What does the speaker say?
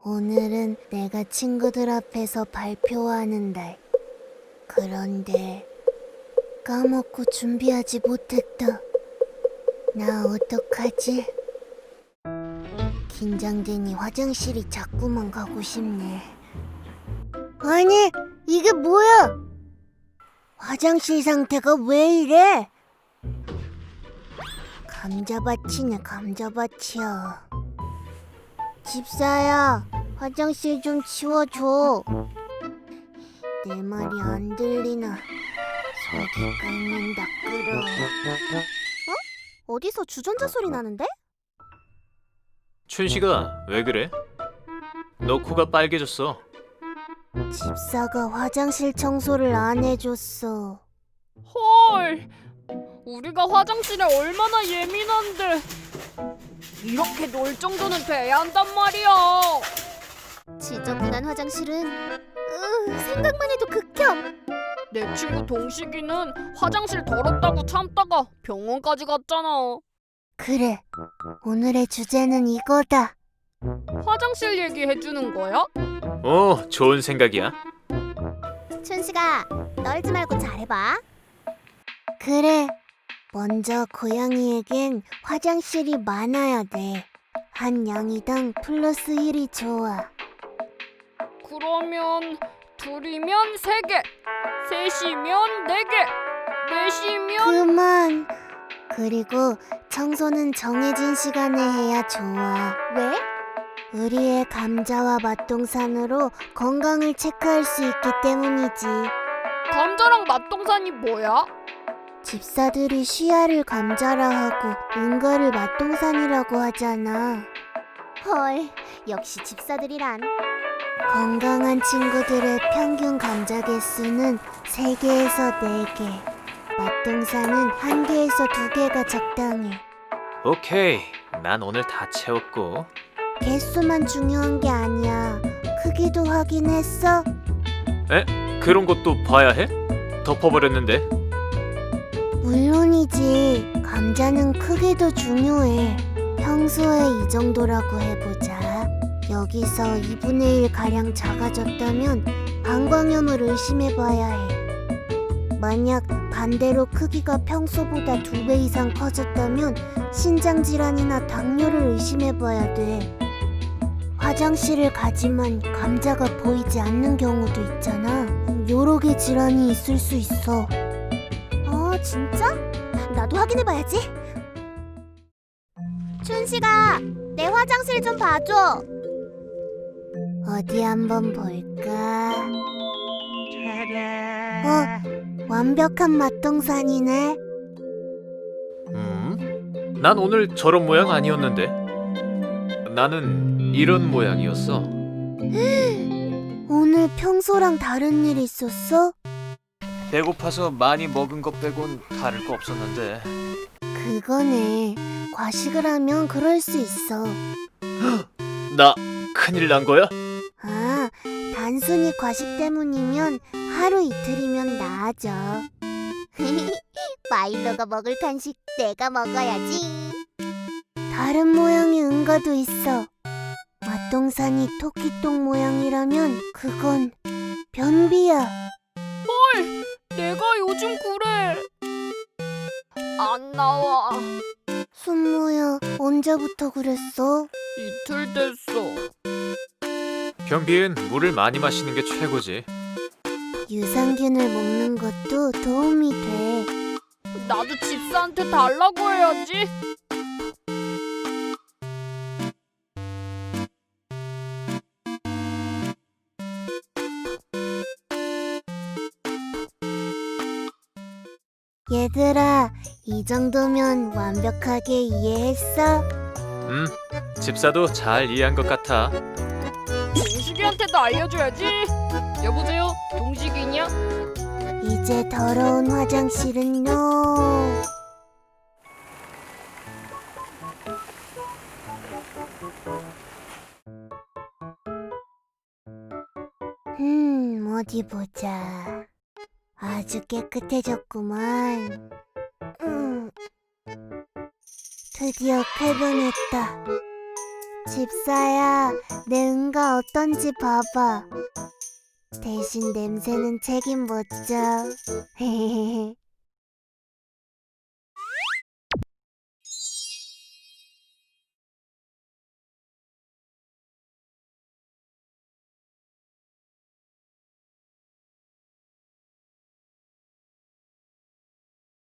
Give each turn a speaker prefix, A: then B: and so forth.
A: 오늘은 내가 친구들 앞에서 발표하는 날. 그런데 까먹고 준비하지 못했다. 나 어떡하지? 긴장되니 화장실이 자꾸만 가고 싶네. 아니, 이게 뭐야? 화장실 상태가 왜 이래? 감자밭이네, 감자밭이야. 집사야, 화장실 좀 치워줘. 내 말이 안 들리나? 속이 끓는다 끓어. 어디서 주전자 소리 나는데?
B: 춘식아, 왜 그래? 너 코가 빨개졌어.
A: 집사가 화장실 청소를 안 해줬어.
C: 헐, 우리가 화장실에 얼마나 예민한데 이렇게 놀 정도는 돼야 한단 말이야.
A: 지저분한 화장실은 생각만 해도 극혐.
C: 내 친구 동식이는 화장실 더럽다고 참다가 병원까지 갔잖아.
A: 그래, 오늘의 주제는 이거다.
C: 화장실 얘기해주는 거야?
B: 좋은 생각이야.
A: 춘식아, 떨지 말고 잘해봐. 그래, 먼저 고양이에겐 화장실이 많아야 돼. 한 양이당 플러스 1이 좋아.
C: 그러면 둘이면 3개, 셋이면 4개, 넷이면...
A: 그만. 그리고 청소는 정해진 시간에 해야 좋아. 왜? 우리의 감자와 맛동산으로 건강을 체크할 수 있기 때문이지.
C: 감자랑 맛동산이 뭐야?
A: 집사들이 시야를 감자라 하고 은가를 맛동산이라고 하잖아. 헐, 역시 집사들이란. 건강한 친구들의 평균 감자 개수는 3개에서 4개. 맛동산은 1개에서 2개가 적당해.
B: 오케이, 난 오늘 다 채웠고.
A: 개수만 중요한 게 아니야. 크기도 확인했어?
B: 그런 것도 봐야 해? 덮어버렸는데.
A: 물론이지. 감자는 크기도 중요해. 평소에 이 정도라고 해보자. 여기서 2분의 1 가량 작아졌다면 방광염을 의심해봐야 해. 만약 반대로 크기가 평소보다 2배 이상 커졌다면 신장질환이나 당뇨를 의심해봐야 돼. 화장실을 가지만 감자가 보이지 않는 경우도 있잖아. 여러 개 질환이 있을 수 있어. 진짜? 나도 확인해봐야지. 춘식아, 내 화장실 좀 봐줘. 어디 한번 볼까? 완벽한 맛동산이네.
B: 난 오늘 저런 모양 아니었는데. 나는 이런 모양이었어.
A: 오늘 평소랑 다른 일 있었어?
B: 배고파서 많이 먹은 것 빼곤 다를 거 없었는데.
A: 그거네. 과식을 하면 그럴 수 있어.
B: 나 큰일 난 거야?
A: 아, 단순히 과식 때문이면 하루 이틀이면 나아져. 마일로가 먹을 간식 내가 먹어야지. 다른 모양의 은가도 있어. 맛동산이 토끼똥 모양이라면 그건 변비야.
C: 헐, 내가 요즘 그래. 안 나와.
A: 순모야, 언제부터 그랬어?
C: 이틀 됐어.
B: 변비엔 물을 많이 마시는 게 최고지.
A: 유산균을 먹는 것도 도움이 돼.
C: 나도 집사한테 달라고 해야지.
A: 얘들아, 이 정도면 완벽하게 이해했어?
B: 집사도 잘 이해한 것 같아.
C: 동식이한테도 알려줘야지. 여보세요, 동식이냐?
A: 이제 더러운 화장실은 NO. 어디 보자. 아주 깨끗해졌구만. 드디어 쾌변했다. 집사야, 내 응가 어떤지 봐봐. 대신 냄새는 책임 못 져.